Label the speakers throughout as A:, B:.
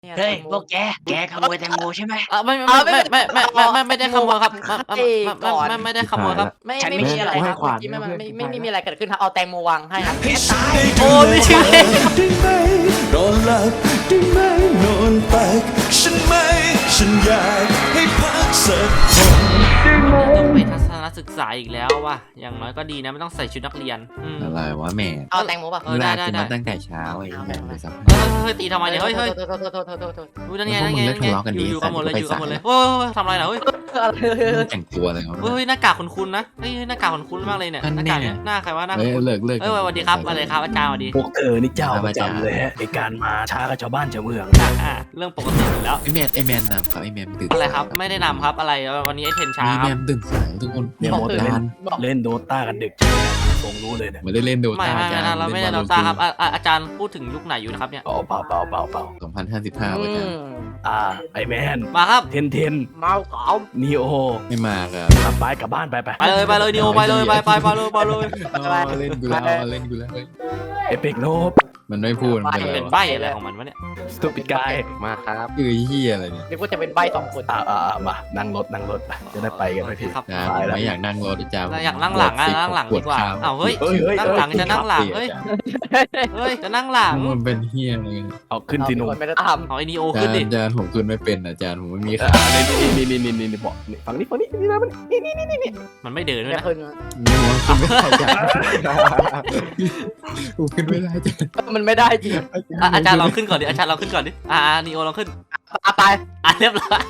A: เนี่ย
B: เฮ้ย
A: แตงโม
B: พวกแกขโมยแตงโมใช่ไหม
A: ไม่
C: ได้ขโมยครับ
A: ไม่ได้ขโมยครับไม่
B: ฉัน
A: ไม่
B: ไม่
A: มี
B: เชื่อ
A: อะไร
C: ให้
A: ครับ
C: ขวาน
A: เมื่อกี้มัน
C: เพื่อน
A: ไม่
C: ให้
A: มีอะไรเกิดขึ้นครับเอาแตงโมวางให้ครับ
B: โอ้ไม่เชื่อ
D: ได้ไหมนอนหลับได้ไหมนอนตักฉันไหมฉันอยากให้พักสักคน
C: ต้องไปทัศนศึกษาอีกแล้วว่ะอย่างน้อยก็ดีนะไม่ต้องใส่ชุดนักเรียน
E: อะไรวะแม่
A: เอาแตงโมป่ะ
C: ได้
E: ลากกูมาตั้งแต่เช้าไอ้แม่งเลยสัก
C: เฮ้ยตีทำไมเนี่ยเฮ้ย
A: โทษ
C: ดูนั่นไงนั่นไง
E: พวกมึงเลิกทะเลาะกันดิ
C: อยู่กันหมดเลย
E: ไป
C: อยู่กันหมดเลย
E: สาย
C: โอ้ยทำอะไรนะเฮ้ย
A: อะไร
E: แต่งตัวอะไรเขา
C: เฮ้ยหน้ากากคุ้นๆนะเฮ้ยหน้ากากคุ้นๆมากเลยเนี่ยหน้ากากเนี่ยหน้าใครวะหน้า
E: เฮ้ย
C: คุ้น
E: เลิก
C: เฮ้ยสวัสดีครับอะไรครับอาจารย์สวัสดี
F: พวกเธอนี่เจ้าประจำเลยฮะในการมาช้ากับชาวบ้านชาวเมือง
C: เรื่องปกติอยู่แล้ว
E: ไอแมนนำครับไอแมนตื่น
C: อะไรครับไม่ได้นำครับอะไรวันนี้ไอเทนช้า
E: ไอ
C: ค
E: แม
C: รับ
E: นตื่นสายทุกคน
F: เนี่ย
E: ห
F: โม
E: มด
F: เตอร์
E: การ
F: เล่นโดต้ากันดึกใช่ไหมตรงรู้เลยเนี่ย
E: ไม่ได้เล่นโด
C: ไม่
E: ตาอาจารย์
C: เราไม่ได้โดตาครับอาจารย์พูดถึงยุคไหนอยู่นะครับเนี่ย
F: เปล่า
E: 2055อาจารย์
F: ไอแมน
C: มาครับ
F: เทน
A: เมาขาว
F: นีโอ
E: ไม่มาครับ
F: กลับบ้านไป
C: ไปเลยนิโอไปเลยไปเลย
E: เล่นกูแล้วเล่นกูแล้ว
F: เอเปกโนบ
E: มันไม่พูดมัน
C: เป็นใบอะไรของมันวะเนี่ย
F: สตูปิดกาย
E: มากครับคือเฮียอะไรเนี่ย
A: นึกว่าจะเป็นใบสองคน
F: มานั่งรถไปจะได้ไปกันไปที
C: ครับ
E: อาจารย์ผมไม่อยากนั่งรถอาจารย์
C: อยากนั่งหลังนั่งหลังดีกว่าอ้าวเฮ้ยนั่งหลังจะนั่งหลังเฮ้ยจะนั่งหลัง
E: มันเป็นเฮียอะไร
F: เอาขึ้นสิหนุ่ม
A: คนไม่ได้ท
C: เอาไอ้นิโอ
E: อา
C: ขึ้นดิ
E: จารย์ผมขึ้นไม่เป็นอาจารย์ผมไม่มีขา
F: นี่บอกฝั่งนี้นี่นะมันนี่
C: มันไม่เดิน
A: ำ
C: ด้วย
A: ไม่
C: นะ
A: ขึ้น
E: ขึ้นไม่ได้อาจารย์ผมขึ้นไม่ได้อาจารย์
A: มันไม่ได้จริง
C: อาจารย์ลองขึ้นก่อนดิอาจารย์ลองขึ้นก่อนดินิโอลองขึ้น
A: ไป
C: เรียบร้อย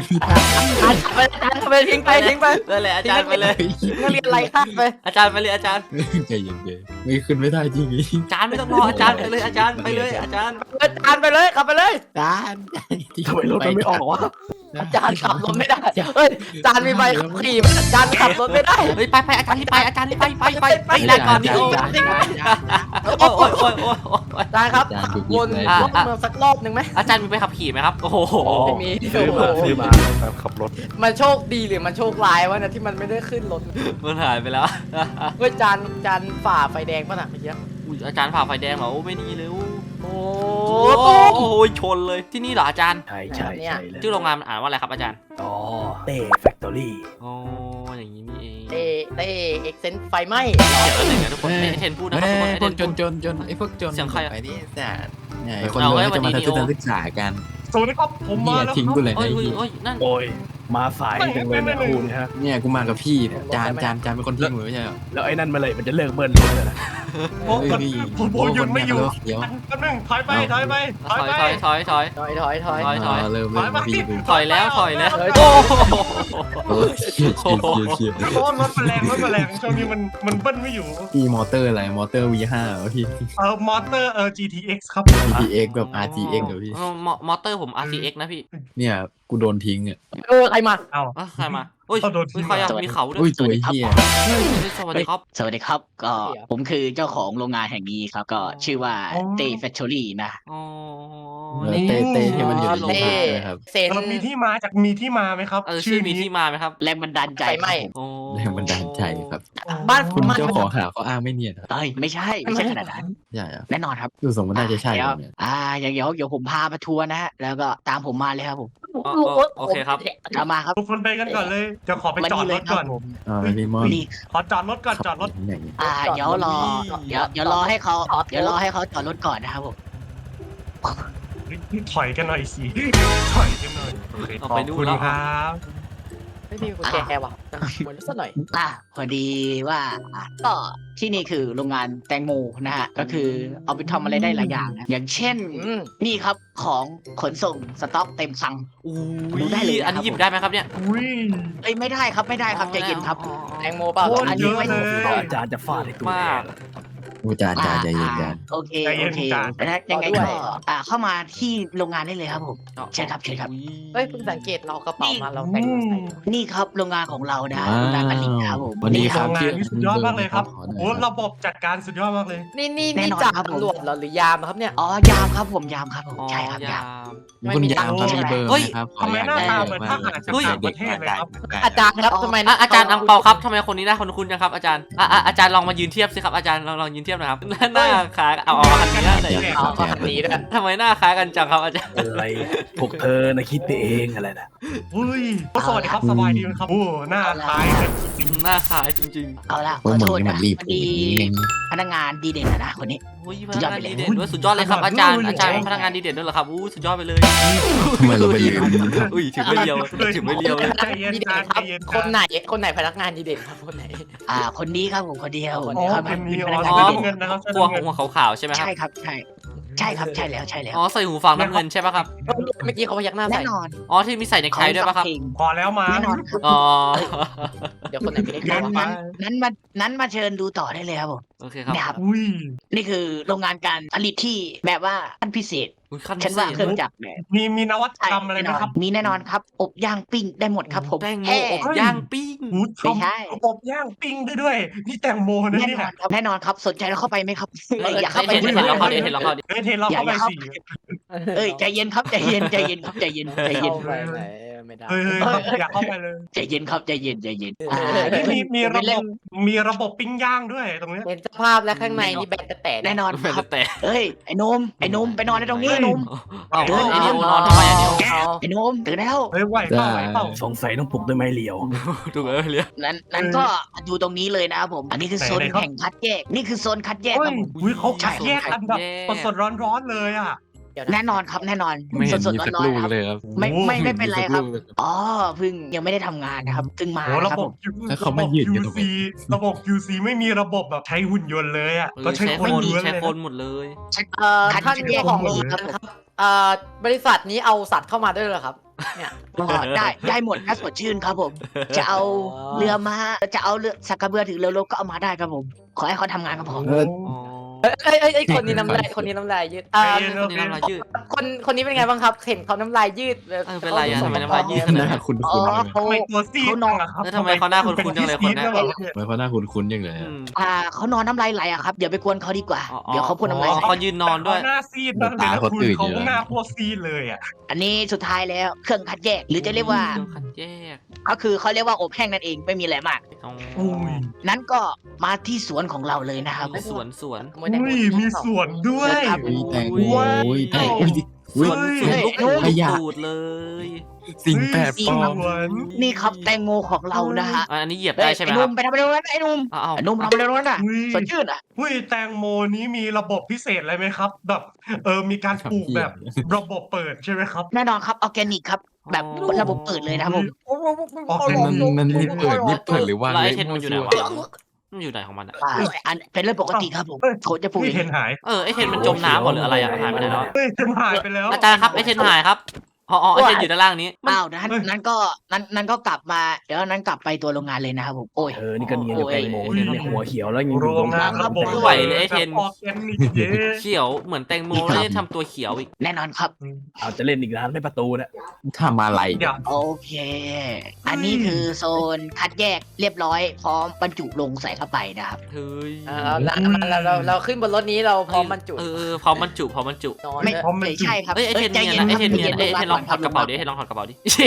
A: ไปทิ้งไป
C: เลยเลยอาจารย์ไปเลย
A: นักเรียนไรข้ามไป
C: อาจารย์ไปเลยอาจารย์
E: ใจเย็นๆไม่ขึ้นไม่ได้จริง
C: อาจารย์ไม่ต้องรออาจารย์ไปเลยอาจารย์ไปเลยอาจารย์
A: อาจารย์ไปเลยขับไปเลย
E: อาจารย์
F: ทำไมรถมันไม่ออกวะ
A: อาจารย์ขับรถไม่ได้เฮ้ยอาจารย์มีใบขับขี่อาจารย์ขับรถไม่ได้
C: เฮ้ยไปอาจารย์ที่ไปอาจารย์ที่ไปได้ก่อนนิโอโอ้ย
A: อาจารย์ครับวนรอบเมืองสักรอบหนึ่งไหม
C: อาจารย์มีไปขับขี่ไหมครับโอ้โห
A: ไม่มี
F: ซื้อมาขับรถ
A: มันโชคดีหรือมันโชคร้ายวะนะที่มันไม่ได้ขึ้นรถ
C: มันหายไปแล้ว
A: เฮ้ยจานฝ่าไฟแดงป่ะน่ะเมื่อกี้
C: อาจารย์ผ่าไฟแดงเหรอโอ้ไม่ดีเลย
A: โอ้
C: โอ้ยชนเลยที่นี่เหรออาจารย์
F: ใช่เลย
C: ชื่อโรงงานมันอ่านว่าอะไรครับอาจารย์
F: อ๋อเต้แฟคทอรี่
C: อ๋ออย่างนี้นี่เอง
A: เต้เอ็กเซนไฟไหม้
C: เดี๋ยวแล้วหนึ่งนะทุกคนเทนพูดนะครับทุกคน
E: พวกจนไอ้พวกจนไปนี่แต่คนรวยจะมาทัศนศึกษากัน
G: สวัสดีครับผมมาแล้ว
E: ทิ้งกูเลย
C: โอ้
E: นะ
C: ยโอ้ยนั่น
F: โอ้ยมาสายจังเลยนะคุณฮะ
E: เนี่ยกูมากับพี่เนี่ยจานเป็นคนทิ้งมือไม่ใช่หรอ
F: แล้วไอ้นั่นเมื่อไหร่มันจะเลิกเบิ้ลรถเลยนะ
G: ผมหยุดไม่อยู่
E: เดี๋ยว
G: แป๊บนึงถอยไป
C: ถอย
E: เริ่มพี่
C: ถอยแล้วโอ้
E: โอ้เชีย
G: เพราะว่ารถมันแรงช่วงนี้มันเบิ้ลไม่อยู่
E: พี่มอเตอร์อะไรมอเตอร์ V5 พี่
G: มอเตอร์GTX ครับ
E: GTX แบบ RTX เหรอพี่
C: มอเตอร์ผม RCX นะพี่
E: เนี่ยกูโดนทิ้งเนี่ย
A: ใครมา
G: เอ้า
C: ใครมาโอ้ยใครมีเขาด้วย
E: อุ้ยตัวเฮีย
C: สวัสดีครับ
B: สวัสดีครับก็ผมคือเจ้าของโรงงานแห่งนี้ครับก็ชื่อว่าเต้แฟคทอรี่นะ
C: อ๋อ
E: เต้ที่มันอยู่ในโรงงานเลยครับ
A: เซน
G: มีที่มาไหมครับ
C: ชื่อมีที่มาไหมครับ
B: แรงบันดาลใจ
A: ไฟไหม้
C: โอ้
E: แรงบันดาลใจครับ
A: บ้าน
E: คุณ
A: บ้าน
E: เจ้าของหาเขาอ้างไม่เนียนครับ
B: เอ้ยไม่ใช่ขนาดนั้น
E: ใช่อะ
B: แน่นอนครับ
E: ดูสมมติน่าจะใช่เนี่ย
B: อย่างเดี๋ยวผมพามาทัวร์นะฮะแล้วก็ตามผมมาเลยครับผม
C: โอเคครับ
B: ตามมาครับ
G: ทุกคนไปกันก่อนเลยจะขอไปจอดรถก่อน
E: ลิมอน
B: นี่
G: ขอจอดรถก่อนจอดรถ
E: อย่างนี้
B: เดี๋ยวรอให้เขาจอดรถก่อนนะครับผม
G: ถอยกันหน่อยสิถอยกันหน่อยโอเค
C: เอา
G: ขอ
C: ไป
G: บ
C: ดู
G: คุณ
C: แล้ว
G: ครับ
A: ไม่มีกุญแจว่ะเหมือนสักหน่อย
B: พอดีว่าก็ที่นี่คือโรงงานแตงโมนะฮะก็คือเอาไปทำอะไรได้หลายอย่างนะอย่างเช่นนี่ครับของขนส่งสต็อกเต็มคลัง ดูได้เลยนะครับ
C: อันนี้หยิบได้ไหมครับเนี่ย
G: อุ้ย
B: ไม่ได้ครับใจเย็นครับ
A: แตงโมเปล่า
B: อันนี้ไม่
G: เยอะเลย
F: อาจารย์จะฟาดให้ตัว
C: มาก
E: กูจานใจเย็นจาน
B: โอเคแล้วยังไงก็เข้ามาที่โรงงานได้เลยครับผมเชิญครับ
A: เฮ้ยเพิ่งสังเกตเรากระเป๋ามาเราแต่งใส่
B: นี่ครับโรงงานของเรานะโรงงานผลิตครับผม
E: วันนี้
G: โรงงานนี่สุดยอดมากเลยครับ
E: ขอหน่อย
G: โอ้ระบบจัดการสุดยอดมากเลย
A: นี่จ่าตำรวจเหรอหรือยามครับเนี่ย
B: ยามครับผมใช่ครับยาม
E: คุณยามครับมีเบอร์ไหมครับ
G: ทำไมหน้าตาเหมือนทหารจากต่างประเทศเลยครับ
A: อาจารย์ครับทำไม
C: อาจารย์อังเปาครับทำไมคนนี้หน้าคุ้นๆจังครับอาจารย์อาจารย์ลองมายืนเทียบสิครับอาจารย์ลองยืนเทียบทียบนะครับหน้าคล้ายเอาคันนี้ได้เลย
A: เอาคันนี้ด้วย
C: ทำไมหน้าคล้ายกันจังครับอาจารย์
F: อะไรพวกเธอนะคิดไปเองอะไรนะ
G: อุ้ยสวัสดีครับสบายดีไหมครับโอ้หน้าคล้ายเลย
C: หน้าคล้ายจริง
B: เอาละข
E: ว่า
B: อ
E: มึง
B: โทษ
E: นี่มั
B: นะ
E: นรีบ
B: พอดีพนักงานดีเด่นนะคนนี้
C: ๆโอ้ยพนักงานดีเด่นด้วยสุดยอดเลยครับอาจารย์เป็นพนักงานดีเด่นด้วยเหรอครับอู้สุดยอดไปเลย
E: ทำไมเราไปลืม
C: อุ้ยถึงไม่เลียวถึงไม่เลียวเลย
G: ใจเย็น
A: ดี
G: จา
A: เด่
G: น
A: นครับ
G: ใจเย็น
A: คนไหนพนักงานดีเด่นครับคนไหน
B: คนนี้ครับผมคนเดียว
G: อ๋อ
B: ครับ
G: เป็นมี
B: พ
G: อ๋
B: นั
G: อก
B: งาน
G: ใช่
B: ดีเด่น
G: เงินนะครับ
C: หัวขาวๆใช่ไหมครับ
B: ใช่ครับใช่ใช่ครับใช่แล้วใช่แล้ว
C: อ๋อใส่หูฟังน้ำเงินใช่ป่ะครับ
A: เมื่อกี้เขาพยักหน้า
B: แน่
A: ใส่
B: นอน
C: อ๋อที่มีใส่ในไข่ด้วยป่ะครับ
G: พอแล้วมา
B: แน่นอนครับ
C: อ๋อ
A: เดี๋ยวคนไหนไม่ได้
B: นั้น
A: วะ
B: นั้นมาเชิญดูต่อได้เลยครับผม
C: โอเคครับ
B: เนี่ยครับ
G: อุ้ย
B: นี่คือโรงงานการผลิตที่แบบว่าขั้นพิเศษ
C: อุ้ยขั้น
B: ฉันว่าเครื่องจักรแบบ
G: มีนวัตกรรมอะไรไหมครับ
B: มีแน่นอนครับ อบย่างปิ้งได้หมดครับผม
C: แตงโม
B: แฮ่
C: อบย่างปิ้ง
G: หู
B: ไม่ใช่
G: อบย่างปิ้งได้ด้วยนี่แตงโมนะ
B: แน่
G: เนี่
B: น
G: ย
B: อนครับแน่นอนครับสนใจเราเข้าไปไหมครับอยาก
C: เข้า
B: เข้า
C: ไป
B: ไป
C: เห็น
B: ด้วย
C: เราเข้าดิเห็นเราเข้าดิ
G: เฮ้ยเทนเราเข้าไปสิ
B: เอ้ยใจเย็นครับใจเย็นใจเย็นครับใจเย็นใจเย็น
A: เข้าไปไหนไม่ได้
G: เฮ้ยอยากเข้าไปเลย
B: ใจเย็นครับใจเย็นใจเย็น
G: มีระบบปิ้งย่างด้วยตรงเนี้ย
A: เห็นสภาพแล้วข้างในนี่แบนแต่
B: แน่นอน
C: เป็น
B: ครับ
C: แต่
B: เอ้ยไอ้นมไปนอนในตรงนี้ไอ้นม
C: เอา
B: เดิน
C: ไอ้นิวนอนทำไมอ่ะนิว
B: ไอ้นมตื่นแล้ว
G: เฮ้ยไหวเปล่า
F: สงสัยต้องปลุกด้วยไม้เหลียว
C: ถูกไหมเรีย
B: นั้นก็ดูตรงนี้เลยนะครับผม อันนี้คือโซนแห่งคัดแยกนี่คือโซนคัดแยก
G: เฮ้
B: ค
G: ย
B: รับผม
G: อุ้ยเขาคัดแยกกันแบบสดร้อนๆเลยอ่ะ
B: แน่นอนครับแน่นอน
E: ไม่เห็น
B: สด
E: มี
B: ๆ
E: สัก
B: ร้อน
E: ลูก
B: ๆครับ
E: เลยครับ
B: ไม่เป็นไรครับ
E: มีสักลูกเลย
B: อ๋อเพิ่งยังไม่ได้ทำงานนะครับเพิ่งมา
G: โอ้ระ
B: ครับ
G: บ
B: ผ
G: บ
B: ม
E: แล้วเขามายืนกันตรงนี้
G: ระบบ QC ไม่มีระบบแบบใช้หุ่นยนต์เลยอ่ะก็ใช้
C: ใช้
G: ค
C: คน น
G: ล้วน
C: ใช้
G: เลย
C: คนหมดเลย
B: คัด
A: ท่าน
B: แย
A: เจ้าก ของโรงงานครับบริษัทนี้เอาสัตว์เข้ามาด้วยเหรอครับเนี่ย
B: ก็ได้หมดถ้าสดชื่นครับผม จะเอาเรือมาจะเอาเรือสักกระเบือถือเรือรบก็เอามาได้ครับผม ขอให้เขาทำงานก็พอ
E: เออ
C: อ๋อ
A: ไอ้คนนี้น้ำลายคนนี้น้ำลายยืด
C: คนนี้น้ำลายยืด
A: คนนี้เป็นไงบ้างครับเห็นเขาน้ำลายยืด
C: เป็นไรอ่ะทำไมน้ำลายยืด
E: หน้าคุ้น
B: อ๋อ
E: ๆ
B: เขา
G: ทำไมตัวซีดจังอะครับ
C: แล้วทำไมเขาหน้าคุ้นๆจังเลยคนเนี้ย
E: ทำไมเขาหน้าคุ้นๆอย่างเลยอะ
B: เขานอนน้ำลายไหลอะครับเดี๋ยวไปกวนเขาดีกว่า เดี๋ยวเขาพ่นน้ำลาย
C: อ๋อ
B: ใส่
C: เขายืนนอนด้วย
G: หน้าซีดมากเลยนะคุณเขาหน้าพวกซีดเลยอ่ะ
B: อันนี้สุดท้ายแล้วเครื่องคัดแยก หรือจะเรียกว่า
C: เครื่องคัดแยก
B: ก็คือเขาเรียกว่าอบแห้งนั่นเองไม่มีอะไรมาก
C: อ๋อ
G: อุ้ย
B: นั้นก็มาที่สวนของเราเลยนะครับ
C: มีสวน
G: อุ้ยมีสวนด้วย
B: ครับ
E: อุ้ยแตง
C: อุ้
E: โม
C: ย
E: อุ้ยแตง
C: ส
E: อุ้ย
C: วน
G: เฮ้ย
C: ลูกหู
E: ขยะ
C: ตูดเลย
E: สิ่งแปลกปลอม
G: สวน
B: นี่ครับแตงโมของเรานะฮะ
C: อันนี้เหยียบได้ใช่ไหม
B: ไอ้
C: ค
B: ห
C: รั
B: นุ่
C: บ
B: มไปทำอะไรตรงนั้นไอ้หนุ่ม
C: อ้าว
B: ไอ้หนุ่มทำอะไรตรงนั้นอ่ะ
G: อุ้ย
B: สดชื่นอ่ะ
G: อุ้ยแตงโมนี้มีระบบพิเศษอะไรไหมครับ แบบมีการปลูกแบบระบบเปิดใช่ไหมครับ
B: แน่นอนครับออร์แกนิกครับ แบบระบบเปิดเลยนะครับผม
E: มันนี่เปิดหรือว่า
C: แล้วไอเทนมันอยู่ไหนวะมันอยู่ไหนของมันอ่ะ
B: อันเป็นเรื่องปกติครับผมโคจะปลูก
G: ไม่
B: เอ
G: เห็
B: ง
G: นหาย
C: ไอเทนมันจมน้ำหมดหรืออะไรอ่ะหายไปไหนแล้ว
G: เฮ้ยเห็นหายไปแล้ว
C: อาจารย์ครับไอเทนหายครับอ๋อไอเทนอยู่ด้านล่างนี้
B: อ้าวนั้นก็กลับมาเดี๋ยวนั้นกลับไปตัวโรงงานเลยนะครับผมโอ้ย
F: นี่ก็เนียนกับแตงโมเนี่ยในหัวเขียวแล้วยังอยู่
G: โรงงานระบบ
C: ไม่ไหวเลยไอ้เทน
G: ออร์แกนิกเย้
C: เขียวเหมือนแตงโมแล้วจะทำตัวเขียวอีก
B: แน่นอนครับ
F: เอาจะเล่นอีกร้านไม่ประตูเนี่ย
E: ทำอะไร
G: เดี๋ยว
B: โอเค อันนี้คือโซนคัดแยกเรียบร้อยพร้อมบรรจุลงใส่เข้าไปนะครับ
C: เฮ้ย
A: เราขึ้นบนรถนี้เราพร้อมบรรจุ
C: พร้อมบรรจุ
A: นอน
B: ไม่ใช่ครับ
C: เอ้ยไอเทน
B: ใจ
C: เนีย
B: ย็
C: นนะไอเทน
B: ครับ
C: เนียน
B: ใจ
C: ไอเทนลองถอดกระเป๋าดิ
B: ค
C: ไอเทนลองถอดกระเป๋าดิ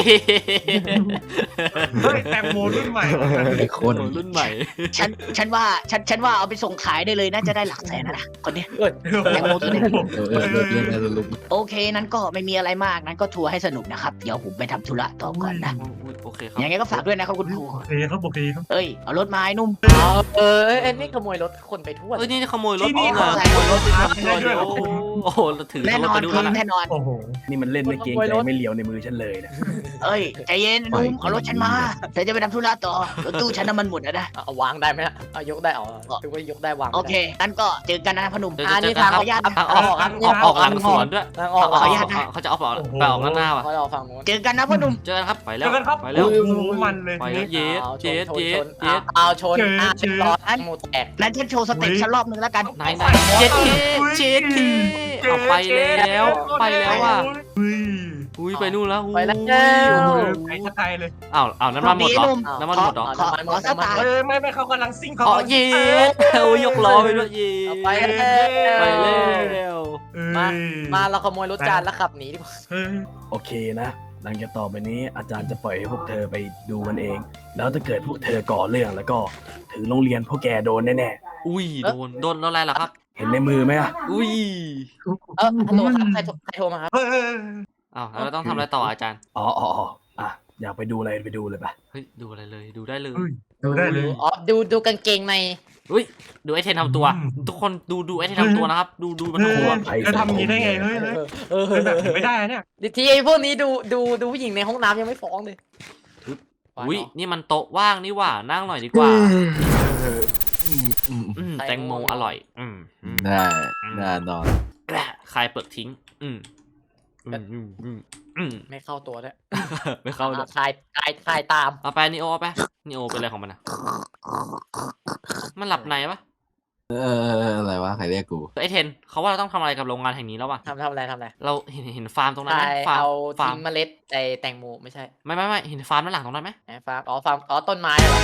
G: เฮ้ยแตงโมรุ่นใหม่
E: ไอ้คน
C: รุ่นใหม่
B: ฉันว่าเอาไปส่งขายได้เลยน่าจะได้หลักแสนนะคนเนี้ย แตงโมตัวนี้
E: เรื่องอะไรลุก
B: โอเคนั้นก็ไม่มีอะไรมากนั้นก็ทัวร์ให้สนุกนะครับเดี๋ยวผมไปทำธุระต่อก่อนนะ
C: โอเคครับ
B: ยังไงก็ฝากด้วยนะครับคุณครู
G: โอเคครับโอเคครับ
B: เอ้ยเอารถมาไอ้หนุ่ม
A: นี่ขโมยรถคนไปทั่ว
C: นี่ขโมยรถ
G: ที่นี่
C: ข
G: เขา
C: โมยรถ
G: ใช้รถได้ด้วยเหรอคุณ
C: โอ้โหถือ
B: แน่น
C: รถ
B: อน
C: ไปดู
B: ครับ
C: แล้ว
B: แน่นอน
G: โอ้โห
F: นี่มันเล่นไม่เกรงใจไม่เหลียวในมือฉันเลยนะ
B: เอ้ยใจเย็นไอ้หนุ่มเอารถฉันมาเดี๋ยวจะไปทำธุระต่อรถตู้ฉันน้ำมันหมดแล้วนะ
A: เอาวางได้ไหมเอายกได้ถือว่ายกได้วาง
B: โอเคงั้นก็เจอกันนะพนุ่ม
A: นี่ทางออก
C: หลังสวนด้วย
A: ทางออก
C: เขาจะเอาออกไปออกด้านหน้าว่ะ
A: เขาเอาฝั่งนู้น
B: เจอกันนะพนุ่ม
C: เจอกันครับไปแล้
G: เจ
C: ว
G: อกันครับ
C: ไปแล้ว
G: โอ้โหมันเลย
C: ไปแล้วเย็ดเย็ดเย็ดเย็ด
A: เอาชนร้อนหมูแตก
B: นั้นฉันโชว์สเต็ปฉันรอบนึงแล้วกัน
C: ไหนเจ็ดเคเจ็ดเคเอาไปแล้วไปแล้วว่ะ อุ้ยไปนู่นแล้ว
A: ไปแล้ว
G: ไปสกายเลย
C: อ้าวน้ำมันหมดเหรอน้ำมันหมดเหรอ
B: ขอสตาร์
G: ไม่เขากำลังซิ่งเขา
C: อ๋อเย็ดเอายกล้อไปด้วยเย็ด
A: ไปแล้ว
C: ไปแล้ว
A: มาเราขโมยรถจานแล้วขับหนีดีกว่า
F: โอเคนะหลังจากต่อไปนี้อาจารย์จะปล่อยให้พวกเธอไปดูมันเอง แล้วถ้าเกิดพวกเธอก่อเรื่องแล้วก็ถึงโรงเรียนพวกแกโดนแน่
C: อุ้ยโดนอะไรล่ะครับ
F: ๆเห็นในมือไหมอะ
C: อุ้ย
A: ฮัลโหลครับใครโทรมาครับ
C: อ้าวแล้วเราต้องทำอะไรต่ออาจารย์
F: อ๋ออ่ะอยากไปดูอะไรไปดูเลยปะ
C: เฮ้ยดูอะไรเลยดูได้เลย
G: ดูได้เลย
A: อ๋อดูกางเกงใน
C: อุ้ยดูไอเทนทำตัว ทุกคนดูไอเทนทำตัวนะครับ ดูมันทำตัว
G: จะทำอย่างนี้ได้ไงเฮ้ยเป็นแบบนี้ไม่ได้เนี่ย
A: ทีไอ้พวกนี้ดูผู้หญิงในห้องน้ำยังไม่ฟ้องเลย
C: อุ้ยนี่มันโต๊ะว่างนี่หว่านั่งหน่อยดีกว่าแตงโมอร่อย
E: ได้นอน
C: คลายเปลือกทิ้ง
A: ไม่เข้าตัวด้วย
C: ไม่เข้าเลย
A: คลายตาม
C: เอาไปนิโอเอาไปนิโอเป็นอะไรของมันนะมันหลับในปะ
E: อะไรวะใครเรียกกู
C: ไอเทนเขาว่าเราต้องทำอะไรกับโรงงานแห่งนี้แล้ววะ
A: ทำอะไร
C: เราเห็นฟาร์มตรงนั้นไหมฟาร์ม
A: เอา
C: ฟาร์
A: ทิ้
C: ม
A: งเมล็ดไอ้แตงโมไม่ใช่
C: ไม่เห็นฟาร์มด้านหลังตรงนั้นไหม
A: ไหนฟาร์มต้นไม้เหรอ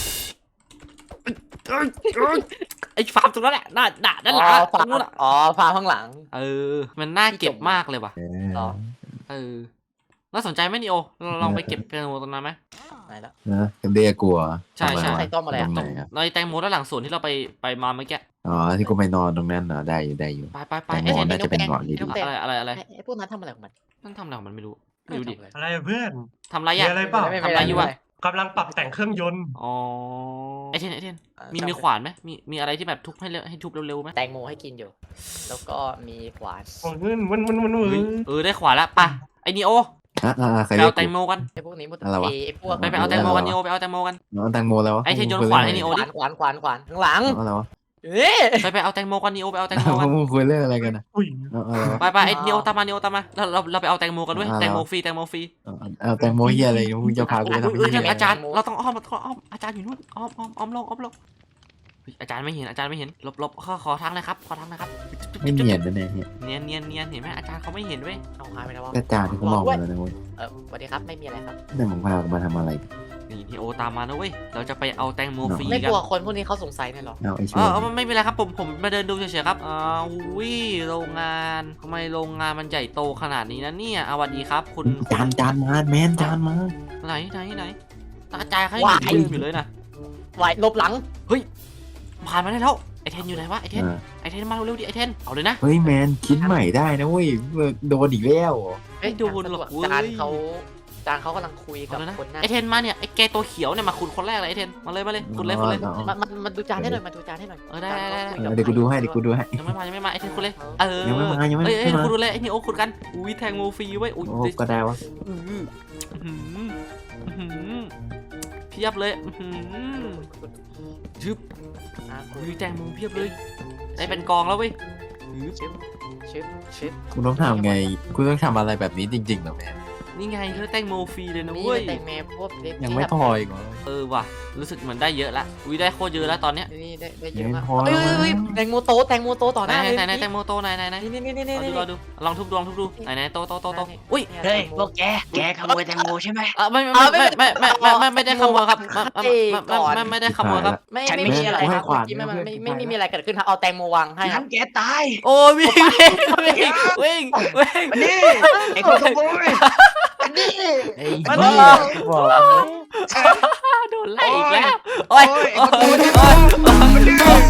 C: ไอฟาร์มตรงนั้นแหละด้านหลังอะตรงนู้นอะ
A: ฟาร์มข้างหลัง
C: มันน่าเก็บมากเลยว่ะ
A: อ๋อ
C: น่าสนใจไหมนิโอเราลองไปเก็บแตงโมตรงนั้นไหม
A: ไหนละ
E: นะเรียกกู
C: ใช่
A: ใส่ต้มอะไรอะ
E: ตรงไหนอะ
C: ในแตงโมด้านหลังสวนที่เราไปมาเมื่อกี้
E: อ๋อที่กูไปนอนตรงนั้นเหรอได้อยู่
C: ไป
E: แตง
C: ไอ
E: โม
C: เทน
E: น่าจะเป็นหมอนดี
C: อะไร
A: ไอ้พวกนั้นทำอะไรของมัน
C: นั่นทำอะไรของมันไม่รู้ไม่รู้ดิ
G: อะไรเพื่อน
C: ทำอะไร
G: มี
C: อ่ะ
G: อะไรเปล่า
C: ทำอะไรอยู่อะ
G: กำลังปรับแต่งเครื่องยนต์
C: อ๋อไอเทนมีขวานไหมมีอะไรที่แบบทุบให้ทุบเร็วๆไหม
A: แตงโมให้กินอยู่ แล้วก็มีขวาน
G: โอ้ยมัน
C: ได้ขวานแล้วป่ะไอนิโอ
E: ใคร
C: ไป
E: เรีย
C: เอา
E: ก
C: แต
E: กู
C: งโมกัน
A: ไอ้พวกนี้มุด
E: อะไรวะ
A: ไอ้พวก
C: ไปเอาแตงโมกันนิโอไปเอาแตงโมกัน
E: น้องแตงโมแล้ววะ
C: ไอ้เทนโยนขวานให้นิโอ
A: ขวานข้างหลัง
E: อะไรวะ
A: เอ๊ะ
C: ไปเอาแตงโมกันนิโอไปเอาแตงโมกัน
E: มึงคุยเรื่องอะไรกันนะ
G: อุ้ย
E: อะไรวะ
C: ไปไอนิโอตามมาเราไปเอาแตงโมกันด้วยแตงโมฟรี
E: เอาแตงโมเฮียอะไรมึงจะพากูไปทำ
C: นั่น
E: ไง
C: อาจารย์เราต้องอ้อมอาจารย์อยู่นู่นอ้อมลงอาจารย์ไม่เห็นลบขอทางนะครับ
E: ไม่เนียนนะเนี่ย
C: เนียนเห็นไหมอาจารย์เขาไม่เห็นเว้ย
A: เอาหายไปแล้ววะ
E: กระจาที่เขามองมาแล้วนะเว้ย
A: สวัสดีครับไม่มีอะไรครับ
E: แต่มึงพากูมาทำอะไร
C: นี่นิโอตามมานะเว้ยเราจะไปเอาแตงโมฟรี
A: ไม่
C: กั
A: ก
C: น
A: ลัวคนพวกนี้เขาสงสัยเนี่ยหรอ
E: เอาไอ้ช่วย
C: ไม่เป็นไรครับผมมาเดินดูเฉยๆครับอุ้ยโรงงานทำไมโรงงานมันใหญ่โตขนาดนี้นะเนี่ยสวัสดีครับคุณ
E: จานมาแมนจานมา
C: ไหนตาจ่ายเขายังอยู่เลยนะ
A: ไหวลบหลัง
C: ผ่านมาได้แล้วไอเทนอยู่ไหนวะไอเทนมาเร็วๆดิไอเทนเอาเลยนะ
E: เฮ้ยแมนคิดใหม่ได้นะเว้ยโดนอีกแล้ว
C: ไม่โดนหรอกเว้ย
A: จานเขากำลังคุยกับ
C: เอาเลยนะ
A: คนหน้า
C: ไอเทนมาเนี่ยไอแกตัวเขียวเนี่ยมาคุณคนแรกเลยไอเทนมาเลยคุณเลย
A: มาดูจานให้หน่อย
C: ได้
E: เดี๋ยวกูดูให้
C: ยังไม่มาไอเทนคุณเลย
E: ยังไม่มา
C: คุณดูเลยไอนี่โอ้คุณกันอุ้ยแทงโมฟรีไว้อุ้ย
E: โอ้ก็ได้วะ
C: เพียบเลยชึบอุ้ยแทงโมเพียบเลยได้เป็นกองแล้วเว้ย
A: ชิป
E: กูต้องทำไงกูต้องทำอะไรแบบนี้จริงๆเหรอแมน
C: นี่ไงเขาแตงโมฟรีเลยนะ
A: นี่
C: เว้ย
A: แตงแมพวกเล็ก
E: ยังไม่พออีกเหรอ
C: ว่ะรู้สึกเหมือนได้เยอะละอุ้ยได้โคตรเยอะแล้วตอนเนี้ย
A: นี่ได้เยอะ
E: ยัง
A: มาก
E: ไม่พอ
A: เฮ้ยแตงโมโตต่อหน้าเลย
C: ไหนแตงโมโตไหน
A: นี่
C: รอดูลองทุบดูไหนโตอุ้ย
B: เฮ้ยพวกแกขโมยแตงโมใช่ไหม
C: ไม่ได้ขโมยครับไม่ได้ขโมยครับ
A: ไม่มีอะไรครับไม่มีอะไรเกิดขึ้นครับเอาแตงโมวางให้ครับ
B: ทำแกตาย
C: โอ้วิ่ง
B: มานี่ไอ้คนขโมย
E: ไอ้
C: มัน
E: เหี้ยบอก
C: โดนไล่อีกแล้วโอ้ย
B: ไอ้คนขโมย